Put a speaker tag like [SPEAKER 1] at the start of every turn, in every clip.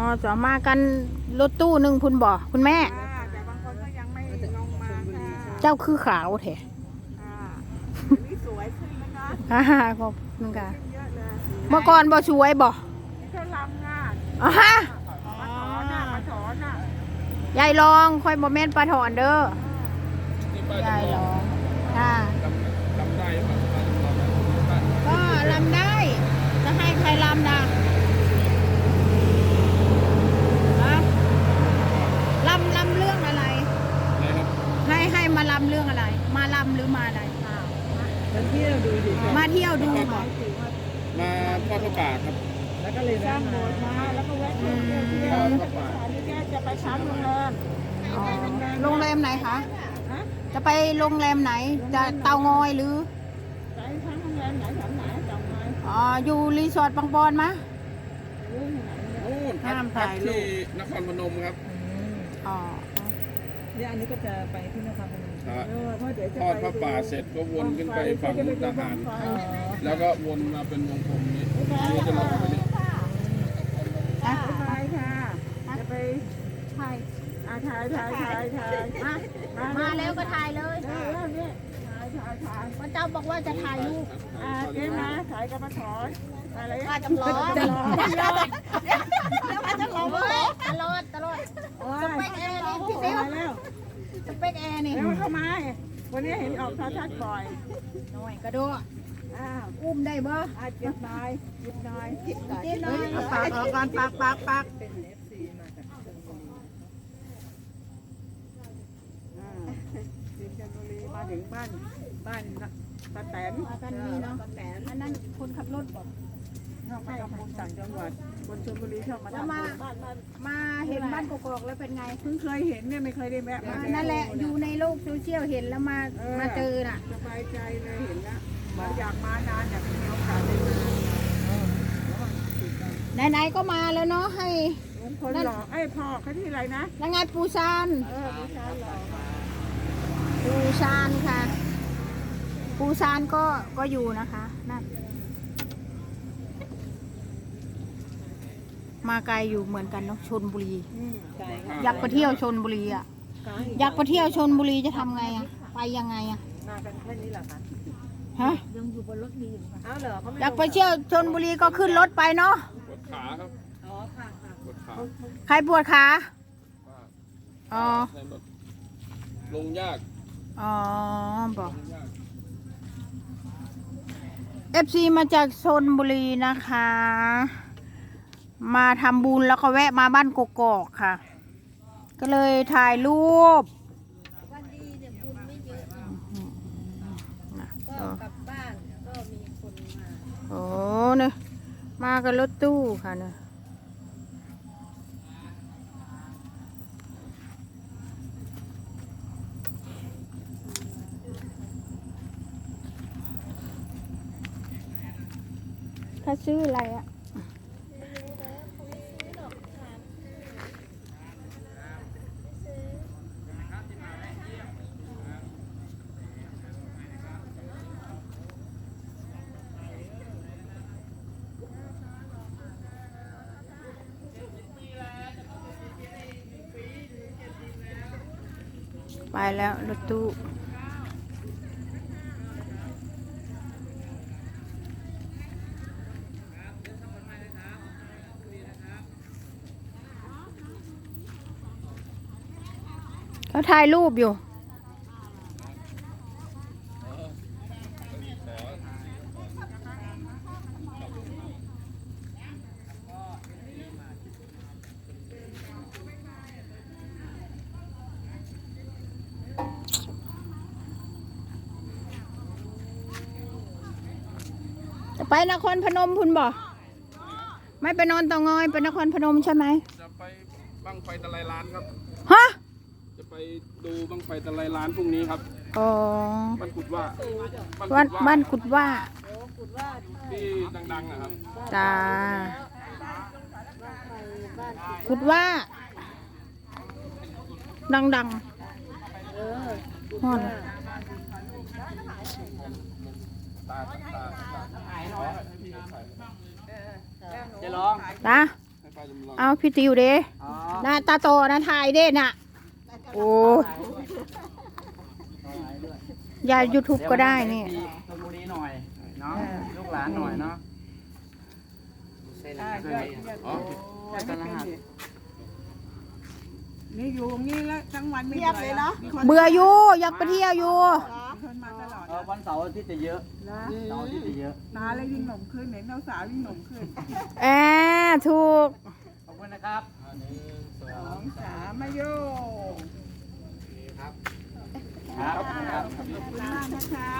[SPEAKER 1] จะมากันรถตู้หนึ่งคุณบอกคุณแม่
[SPEAKER 2] แต่บางคนก็ยังไม่ลงมาค่ะ
[SPEAKER 1] เจ้าคือขาวแท้
[SPEAKER 2] นี่สวยขึ้นนะคะ
[SPEAKER 1] ขอบคุณค่ะ
[SPEAKER 2] เยอะเลย
[SPEAKER 1] เมื่อก่อนบ่สวยบ่
[SPEAKER 2] นี่เขาลำงาน
[SPEAKER 1] มาถ
[SPEAKER 2] อนน่ะ
[SPEAKER 1] ยายลองคอยบ่แม่นปลาถอนเด้อยายลองค่ะ
[SPEAKER 3] ลำได้ไหม
[SPEAKER 1] ก็ลำได้จะให้ใครลำนะลำเรื่องอะไรให้มาลำเรื่องอะไร มาลำหรือมาอะไรมาเที่ยวดูค่ะ
[SPEAKER 3] มาทอดพระป่าครับ
[SPEAKER 2] แล้วก็เลยสร้างโบสถ์มาแล้วก็แวะเที่ยวนี่แกจะไปช้างโรงแรม
[SPEAKER 1] โรงแรมไหนคะจะไปโรงแรมไหนจะเตางอยหรือ
[SPEAKER 2] ไปช้างโรงแรมไหนแถวไหนเตางอย
[SPEAKER 1] อยู่รีสอร์ทบางบอนมะ
[SPEAKER 3] นู่นพักที่นครพนมครับ
[SPEAKER 2] เนี่ยอันนี้ก็จะไปที่นครพนม
[SPEAKER 3] ทอดพระป่าเสร็จก็วนขึ้นไปฝั่งมุกดาหารแล้วก็วนมาเป็นวงกลมนี้นี่จะลงไปนี่
[SPEAKER 2] ไปค่ะจะไปถ่าย
[SPEAKER 1] มาแล้วก็ถ่ายเลย
[SPEAKER 2] เนี่ยถ่าย
[SPEAKER 1] พระเจ้าบอกว่าจะถ่ายรูป
[SPEAKER 2] เจ๊มาถ่ายกับมาถอนอะไร
[SPEAKER 1] ว่าจำลองตลอดสเปคแอร์นี่พี่เซลสเปคแอร์นี่
[SPEAKER 2] แล้วเข้ามาวันนี้เห็นออกทัดบ่อย
[SPEAKER 1] หน่อยกระโดดอุ้มได้บ่
[SPEAKER 2] เจ็บหน่อยเจ็บหน่อย
[SPEAKER 1] ปากออกก่อนปาก
[SPEAKER 2] มาถึงบ้านป้าแตน
[SPEAKER 1] กันนี่เนาะอันนั้นคนขับรถบอก
[SPEAKER 2] ไม่คนต่างจังหวัดคนชลบุรีเข้ามา
[SPEAKER 1] มาเห็นบ้านกอกๆแล้วเป็นไง
[SPEAKER 2] เพิ่งเคยเห็นเนี่ยไม่เคยได้แวะมา
[SPEAKER 1] นั่นแหละอยู่ในโลกโซเชียลเห็นแล้วมาเจอน่ะ
[SPEAKER 2] สบายใจเลยเห็นแล้วเราอยากมานานอยากมีโอกาสได้
[SPEAKER 1] มาไหนๆก็มาแล้วเนาะให้
[SPEAKER 2] คนหล่อพ่อเขาที่ไรนะ
[SPEAKER 1] ยังไงปูซาน
[SPEAKER 2] ปูซานหล่อ
[SPEAKER 1] ปูซานค่ะปูซานก็อยู่นะคะนั่นมาไกลอยู่เหมือนกันเนาะชลบุรีอยากไปเที่ยวชลบุรีอ่ะอยากไปเที่ยวชลบุรีจะทำไงอ่ะไปยังไงอ่ะ
[SPEAKER 2] มากันแค่นี้เหรอคะ
[SPEAKER 1] ฮะ
[SPEAKER 2] ยังอยู่บนรถมีอยู่ค่ะอ้าวเหรอ
[SPEAKER 1] อยากไปเที่ยวชลบุรีก็ขึ้นรถไปเนาะ
[SPEAKER 3] ปวดขาครับ
[SPEAKER 2] ค่ะ
[SPEAKER 3] ปวดขา
[SPEAKER 1] ใครปวดขา
[SPEAKER 3] ลงยาก
[SPEAKER 1] บอกFC มาจากชลบุรีนะคะมาทำบุญแล้วก็แวะมาบ้านกกอกค่ะก็เลยถ่ายรูป
[SPEAKER 4] วันดีเนี่ยบุญไม่เยอะก็กลับบ้านก็มีคนมา
[SPEAKER 1] โอ้เนี่ยมากับรถตู้ค่ะเนี่ยถ้าซื้ออะไรอ่ะไปแล้วรถตู้เขาถ่ายรูปอยู่ไปนครพนมคุณบอกไม่ไปนอนเตางอยไปนครพนมใช่ไหม
[SPEAKER 3] จะไปบั้งไฟตะไลล้านครับ
[SPEAKER 1] ฮะ
[SPEAKER 3] จะไปดูบั้งไฟตะไลล้านพรุ่งนี้ครับบ้านกุดว่า
[SPEAKER 1] บ้านกุดว่า
[SPEAKER 3] ที่ดังๆนะครับ
[SPEAKER 1] จ้ากุดว่าดังๆฮอด
[SPEAKER 3] จะลอง
[SPEAKER 1] จ้า
[SPEAKER 3] ป้าจำลอง
[SPEAKER 1] เอาพี่ติวเด้
[SPEAKER 5] อ๋อ
[SPEAKER 1] หน้าตาโตนะถ่ายเด้น่ะ โอ้ยาย YouTube ก็ได้นี่
[SPEAKER 5] ชลบุรีหน่อยเนาะลูกหลานหน่อยเนาะ
[SPEAKER 3] อ๋อ
[SPEAKER 2] นี่อยู่นี่แล้วทั้งวันไม่เงียบเลยเนาะ
[SPEAKER 1] เบื่ออยู่อยากไปเที่ยวอยู่
[SPEAKER 2] คนมาตลอด
[SPEAKER 5] วันเสาร์อาทิตย์จะเยอะ
[SPEAKER 2] นะ
[SPEAKER 5] เสาร์อาทิตย์จะเยอะ
[SPEAKER 2] นาเลยยิ่งหนุ่มขึ้นเห็นสาวยิ่งหนุ่มขึ้น
[SPEAKER 1] แอบถูก
[SPEAKER 5] ขอบคุณนะครับ
[SPEAKER 2] 2 3มาโย
[SPEAKER 5] ครับ
[SPEAKER 2] ขอบคุณมากนะคะ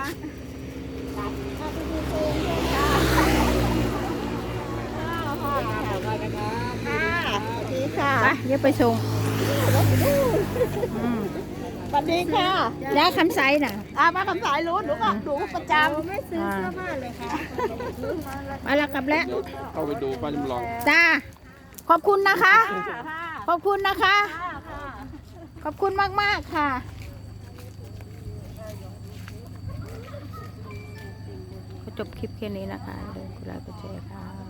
[SPEAKER 2] ดีค่ะ
[SPEAKER 1] ไปเดี๋ยวไปส่ง
[SPEAKER 2] สวัสดีค่ะ
[SPEAKER 1] ยายคำไซน่ะ
[SPEAKER 2] มาคำสายรู้หนูก็ดูประจำ
[SPEAKER 4] ไม่ซื้อเสื้อผ้าเลยค่ะ
[SPEAKER 1] มาแล้วกลับแล้ว
[SPEAKER 3] เดี๋ยวเข้าไปดูป้าจำลอง
[SPEAKER 1] จ้า ขอบคุณนะคะ ขอบคุณนะคะ ขอบคุณมาก ๆ ค่ะ ก็จบคลิปแค่นี้นะคะอย่าลืมกดไลค์กดแชร์ค่ะ